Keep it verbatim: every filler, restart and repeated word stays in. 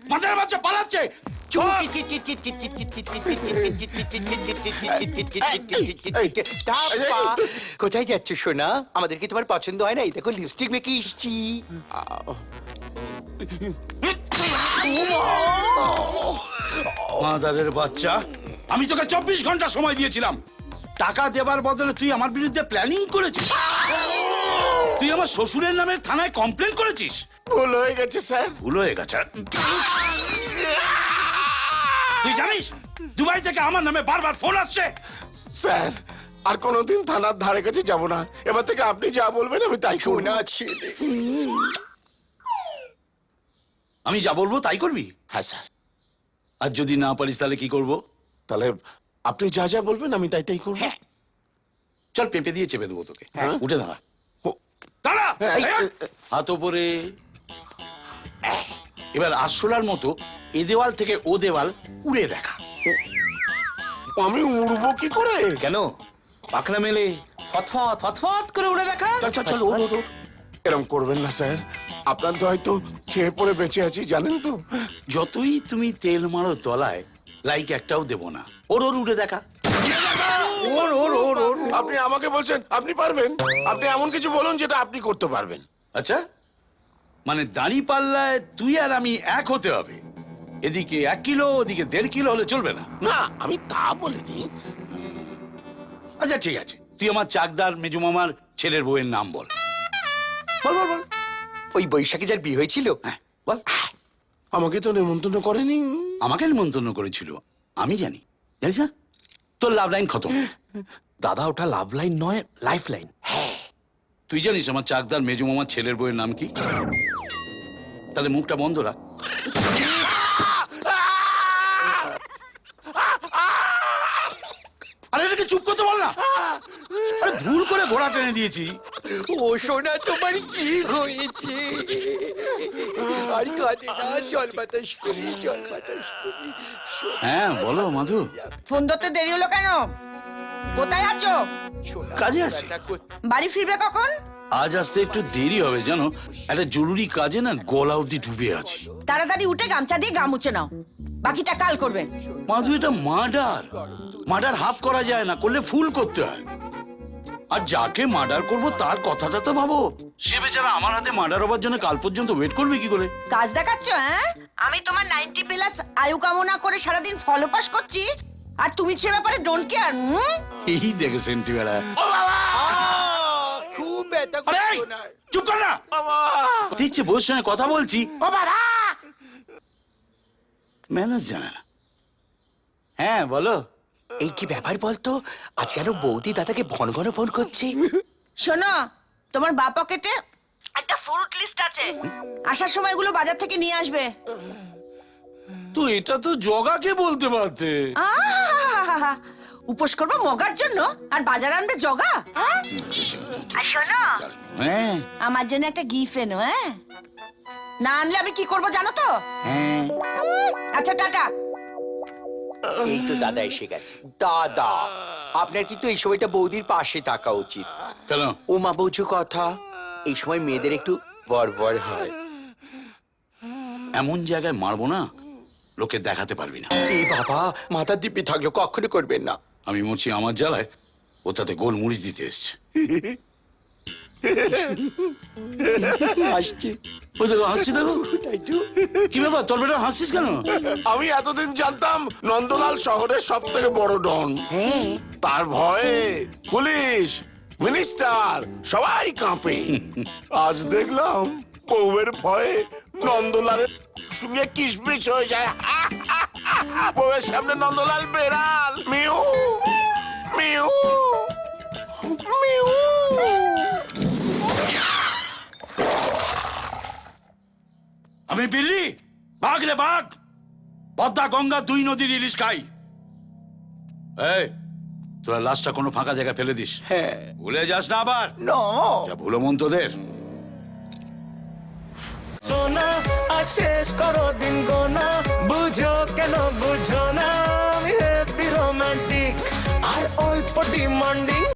মাথার বাচ্চা পালাচ্ছে। কোথায় যাচ্ছ সোনা? আমাদের কি তোমার পছন্দ হয় না? এই দেখো লিপস্টিক মেখে এসছি। মাদারের বাচ্চা, আমি তোকে চব্বিশ ঘন্টা সময় দিয়েছিলাম। টাকা দেবার বদলে তুই আমার বিরুদ্ধে প্ল্যানিং করেছিস। তুই আমার শ্বশুরের নামে থানায় কমপ্লেন করেছিস। ভুল হয়ে গেছে স্যার। ভুল হয়ে গেছে? তুই জানিস দুবাই থেকে আমার নামে বারবার ফোন আসছে। স্যার আর কোনোদিন থানার ধারে কাছে যাব না। এবার থেকে আপনি যা বলবেন আমি তাই করব। সোনা ছেলে। আমি যা বলবো তাই করবি? হ্যাঁ স্যার। আর যদি না পারিস তাহলে কি করব? তাহলে আপনি যা যা বলবেন আমি তাই তাই করব। চল পেঁপে দিয়ে চেপে দেবো তোকে। হ্যাঁ। উঠে দাঁড়া। ও- দাঁড়া। এই, এই, হাত ওপরে। এবার আরশোলার মতো এ দেওয়াল থেকে ও দেওয়াল উড়ে দেখা। আমি উড়বো কি করে? কেন পাখনা মেলে ফতফত ফতফত করে উড়ে দেখা? চল চল চল ওর ওর ওর। এরকম করবেন না স্যার। আপনার তো হয়তো খেয়ে পড়ে বেঁচে আছি জানেন তো। যতই তুমি তেল মারো তলায়, লাইক একটাও দেব না। ওর ওর উড়ে দেখা। ওর ওর ওর ওর আপনি আমাকে বলছেন আপনি পারবেন? আপনি এমন কিছু বলুন যেটা আপনি করতে পারবেন। আচ্ছা, মানে দাঁড়ি পাল্লায় তুই আর আমি এক হতে হবে। এদিকে এক কিলো ওদিকে দেড় কিলো হলে চলবে না। না আমি তা বলিনি। আচ্ছা ঠিক আছে, তুই আমার চাকদার মেজু মামার ছেলের বউয়ের নাম বল। বল বল বল। ওই বৈশাখী যার বিয়ে হয়েছিল? হ্যাঁ বল। আমাকে তো নেমন্তন্ন করেনি। আমাকে নিমন্ত্রণ করেছিল, আমি জানি। জানিস না, তোর লাভ লাইন খতম। দাদা ওটা লাভ লাইন নয়, লাইফ লাইন। তুই জানিস আমার চাকদার মেজু মামার ছেলের বউয়ের নাম কি? তাহলে মুখটা বন্ধ রাখ। আরে এটাকে চুপ করতে বল না। আরে ভুল করে ঘোড়া টেনে দিয়েছি। ও সোনা তোমার কি হয়েছে? আর কাঁদে না, জল বাতাস করি জল বাতাস করি। হ্যাঁ বলো মাধু। ফোন ধরতে দেরি হলো কেন? কোথায় আছো? সোনা, কাজে আছি। বাড়ি ফিরবে কখন? আজ আসতে একটু দেরি হবে জানো, একটা জরুরি কাজে না গলা অব্দি ডুবে আছি। তাড়াতাড়ি উঠে গামছা দিয়ে গা মুছে নাও, বাকিটা কাল করবে। মাধু এটা মার্ডার। মার্ডার হাফ করা যায় না, করলে ফুল করতে হয়। আর যাকে মার্ডার করব তার কথাটা তো ভাবো। সে বেচারা আমার হাতে মার্ডার হবার জন্য কাল পর্যন্ত ওয়েট করবে কি করে? কাজ দেখাচ্ছ হ্যাঁ? আমি তোমার নাইনটি প্লাস আয়ু কামনা করে সারাদিন ফলো পাস করছি, আর তুমি সে ব্যাপারে ডোন্ট কেয়ার। এই দেখে সেন্টিবেলা। খুব ব্যথা আরে এই, করছো না। চুপ কর না। দেখছি বউর সঙ্গে কথা বলছি, ম্যানেজ জানে না। হ্যাঁ বলো। এই কি ব্যাপার বলতো? আজ কেন বৌদি দাদাকে ঘন ঘন ফোন করছে? শোনো, তোমার বা পকেটে একটা ফ্রুট লিস্ট আছে, আসার সময় এগুলো বাজার থেকে নিয়ে আসবে। তো এটা তো জগাকে বলতে পারতে। আহা! উপোস করবো মগার জন্য আর বাজার আনবে জগা? আর শোনো, হ্যাঁ আমার জন্য একটা গিফট এনো। হ্যাঁ, না আনলে আমি কি করবো জানো তো? হ্যাঁ। আচ্ছা টাটা। এই তো দাদা এসে গেছে। দাদা আপনার কিন্তু এই সময়টা বৌদির পাশে থাকা উচিত। কেন? ওমা বৌঝু কথা, এই সময় মেয়েদের একটু বড়বড় হয়। এমন জায়গায় মারবো না লোকে দেখাতে পারবি না। এই বাবা, মাথার দিব্যি থাকলো, কখনো করবেন না। আমি মরছি আমার জ্বালায়, ও তাতে গোল মরিচ দিতে এসছে। আসছে ওই দেখো হাসছি, দেখো। তাই তো। কি ব্যাপার, তোর বেটা হাসছিস কেন? আমি এতদিন জানতাম নন্দলাল শহরের সব থেকে বড় ডন। হ্যাঁ, তার ভয়ে পুলিশ মিনিস্টার সবাই কাঁপে। আজ দেখলাম বউয়ের ভয়ে নন্দলালের সঙ্গে কিসমিস হয়ে যায়। বউয়ের সামনে নন্দলাল বেড়াল। মিউ মিউ মিউ। আমি বিল্লি, বাঘ রে বাঘ। পদ্মা গঙ্গা দুই নদীর ইলিশ খাই। এই তোরা লাশটা কোনো ফাঁকা জায়গায় ফেলে দিস। হ্যাঁ। ভুলে যাস না আবার। না, যা ভুলো মন তোদের। সোনা আজ শেষ করো দিন গোনা, বুঝো কেন বুঝো না, আমি হ্যাপি রোমান্টিক আর অল্প ডিমান্ডিং।